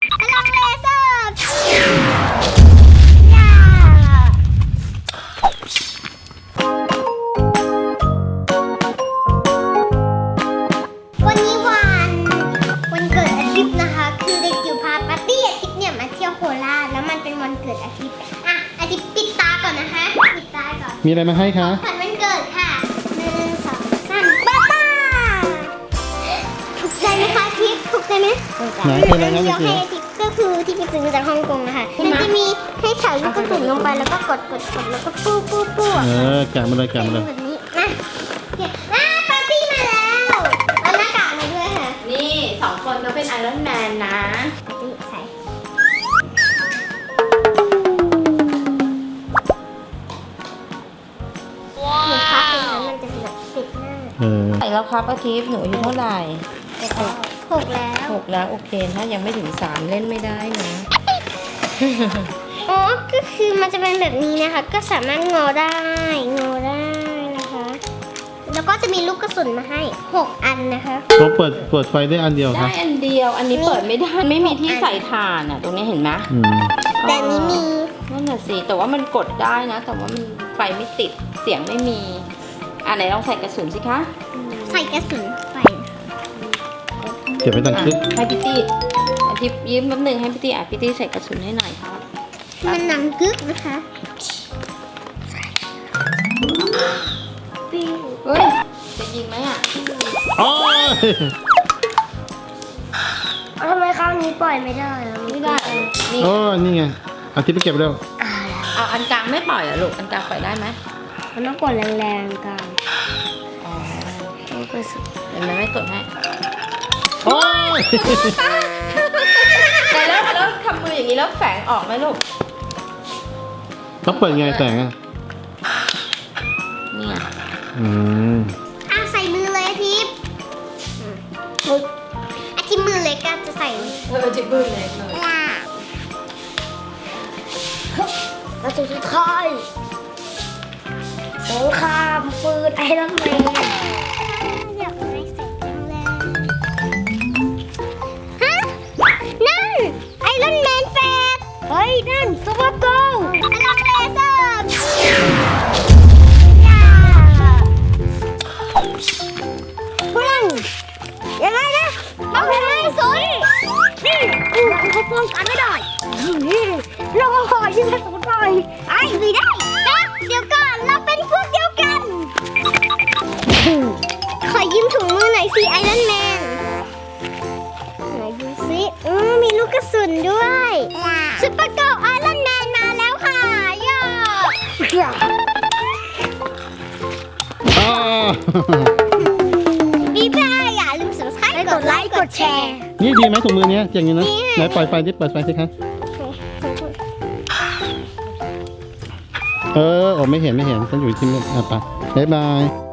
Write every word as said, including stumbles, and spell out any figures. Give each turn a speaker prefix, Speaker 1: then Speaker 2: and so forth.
Speaker 1: พลังเลเซอร์วันนี้วันวันเกิดอาทิตย์นะคะคือเด็กจิ๋วพาปาร์ตี้อาทิตย์เนี่ยมาเที่ยวโคราชแล้วมันเป็นวันเกิดอาทิตย์อ่ะอาทิตย์ปิดตาก่อนนะคะปิดตาก่อน
Speaker 2: มีอะไรมาให้คะ
Speaker 1: ขวัญวันเกิดค่ะหนึ่งสองสามป้าป้าถูกใจไหมคะทิพย์ถูกใจไหม
Speaker 2: ไหนเป็นอะไรนะ
Speaker 1: เดี๋
Speaker 2: เมื่
Speaker 1: ย
Speaker 2: อ
Speaker 1: ว
Speaker 2: กี้
Speaker 1: ให้ทิพย์ก็คือที่ไปซื้อมาจากฮ่องกงนะคะมันจะมีให้ใส่ลูกกระสุนลงไปแล้วก็กดกดกดแล้วก็ปู้ปู้ปู้
Speaker 2: เออแกะมาเลยแกะมาเลย
Speaker 1: แบบนี้นะอ่ะปาร์ตี้มาแล้วเอาหน้ากากมาด้วยค่ะ
Speaker 3: นี่สองคนก็เป็นไอรอนแมนนะ
Speaker 1: นี่ใส่หนูพักตรงนั้นมันจะแบบติดหน้า
Speaker 2: เออ
Speaker 3: ใส่แล้วครับอาทิตย์หนูอายุเท่าไหร่
Speaker 1: หกแล้ว
Speaker 3: หกแล้วโอเคถ้ายังไม่ถึงสามเล่นไม่ได้นะ
Speaker 1: อ๋อ ก็คือมันจะเป็นแบบนี้นะคะ ก็สามารถงอได้ งอได้นะคะ แล้วก็จะมีลูกกระสุนมาให้หกอันนะคะ
Speaker 2: เราเปิดเปิดไฟได้อันเดียวค
Speaker 3: ได้
Speaker 2: รับ
Speaker 3: อันเดียวอันนี้เปิดไม่ได้ไม่มีที่ใส่ถ่านอ่ะตรงนี้เห็นไหม
Speaker 2: อืม
Speaker 1: แต่อันนี้มี
Speaker 3: นั่นน่ะสิแต่ว่ามันกดได้นะ แต่ว่ามันไฟไม่ติดเสียงไม่มีอ่ะไหนลองใส่กระสุนสิคะ
Speaker 1: ใส่กระสุนไป
Speaker 2: เก็บไว้ตัง
Speaker 3: อ่ะ
Speaker 2: คึก
Speaker 3: ให้พี่ตี้อาทิตย์ยืมแป๊บนึงให้พี่ตี้อ่ะพี่ตี้ใส่กระสุนให้หน่อยครับ
Speaker 1: มันหนังกึกนะคะปิ้ว
Speaker 3: เฮ้ยจะยิงไหมอ่ะ
Speaker 2: โอ้ย
Speaker 1: ทำไมครั้งนี้ปล่อยไม่ได้อะ
Speaker 3: ไม่ได้อ่ะนี่
Speaker 2: โอ้นี่ไงอาทิตย์ไปเก็บเร็ว
Speaker 3: เอาอันกลางไม่ปล่อยเหรอลูกอันกลางปล่อยได้ไหม
Speaker 1: มันต้องกดแรงๆกัน
Speaker 3: อ๋อเดี๋ยวแม่ไม่กดให้
Speaker 2: โอ้ย
Speaker 3: แต่แล้วแล้วทำมืออย่างนี้แล้วแฝงออกไหมลูก
Speaker 2: เขาเปิดไงแสงอ่ะ
Speaker 3: นี่ไง
Speaker 2: อืม
Speaker 1: อ่ะใส่มือเลยอาทิตย์อาทิตย์มือเล็กก็จะใส่
Speaker 3: เออจิบบื้อเลยเลย
Speaker 1: แล้วสุดท้ายสงครามปืนไอรอนแมนอยากไม่เสร็จจังเลยฮะนั่นไอรอนแมนแฟดเฮ้ยนั่นซูเปอร์โกลพลังเลเซอร์พลังยังไงนะเอาไปเลยสุดนี่เขาป้องกันไม่ได้นี่เราก็ขอยืมกระสุนหน่อยไอ้ไม่ได้เดี๋ยวก่อนเราเป็นพวกเดียวกัน ขอยืมถุงมือหน่อยสิไอรอนแมนไหนดูสิอือมีลูกกระสุนด้วยซุปเปอร์เกิร์ลไอรอนแมนมาแล้วค่ะย่า
Speaker 2: อ้าว
Speaker 1: พี่พายอย่าลืม subscribe กดไลค์กดแชร์
Speaker 2: นี่ดีไหมถุงมือเนี้ยอย่างนี้นะ
Speaker 1: ดีค่ะ
Speaker 2: ไหนปล่อยไฟดิเปิดไฟสิคะเออโอ้ไม่เห็นไม่เห็นฉันอยู่ที่มืดอ่ะไปบ๊ายบาย